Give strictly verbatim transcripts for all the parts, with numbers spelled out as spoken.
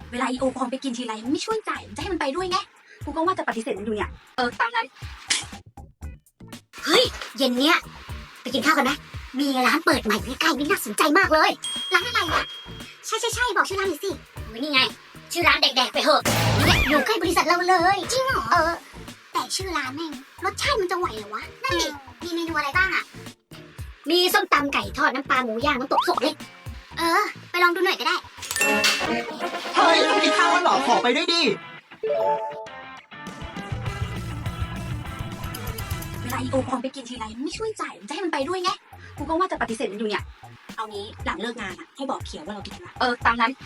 เวลาอีโอปอมไปกินทีไรมันไม่ช่วยจ่ายมันจะให้มันไปด้วยไงกูก็ว่าจะปฏิเสธมันอยู่เนี่ยเออตามนั้นเฮ้ยเย็นเนี้ยไปกินข้าวกันไหมมีร้านเปิดใหม่ใกล้ๆนี่น่าสนใจมากเลยร้านอะไรอ่ะใช่ใช่ใช่บอกชื่อร้านหน่อยสิโอ้ยนี่ไงชื่อร้านแดกๆไปเหอะเนี่ยอยู่ใกล้บริษัทเราเลยจริงเหรอเออแต่ชื่อร้านแม่งรสชาติมันจะไหวเหรอวะนั่นดิมีเมนูอะไรบ้างอ่ะมีส้มตำไก่ทอดน้ำปลาหมูย่างน้ำตกสุกเล็กเออไปลองดูหน่อยก็ได้เฮ้ยไม่กินข้าวกันเหรอขอไปด้วยดิเวลาอีโอปอมไปกินทีไรมันไม่ช่วยจ่ายมันจะให้มันไปด้วยไงกูก็ว่าจะปฏิเสธมันอยู่เนี่ยเอางี้หลังเลิกงานอ่ะให้บอกเขียวว่าเรากินอะไรเออตามนั้น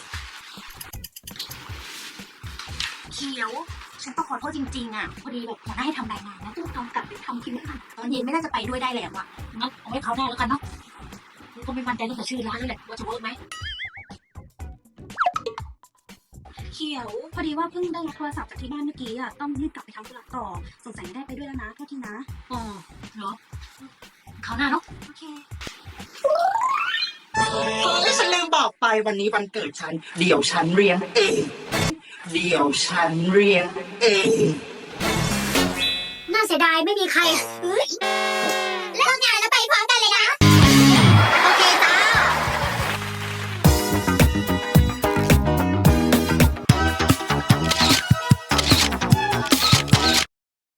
เขียวฉันต้องขอโทษจริงๆอ่ะพอดีแบบหัวหน้าให้ทำรายงานนะต้องกำกับไปทำทีมค่ะตอนเย็นไม่น่าจะไปด้วยได้แล้วอ่ะงั้นเอาให้เขาได้แล้วกันเนาะก็ไม่มั่นใจเรื่องแต่ชื่อร้านนั่นแหละว่าจะเวิร์กไหมเขียวพอดีว่าเพิ่งได้รับโทรศัพท์จากที่บ้านเมื่อกี้อ่ะต้องรีบกลับไปทำธุระต่อสงสัยไม่ได้ไปด้วยแล้วนะโทษทีนะอ๋อเหรอเขาหน้าเนาะโอเคเฮ้ยฉันลืมบอกไปวันนี้วันเกิดฉันเดี๋ยวฉันเรียงเองเดี๋ยวฉันเรียงเองน่าเสียดายไม่มีใครเฮ้ย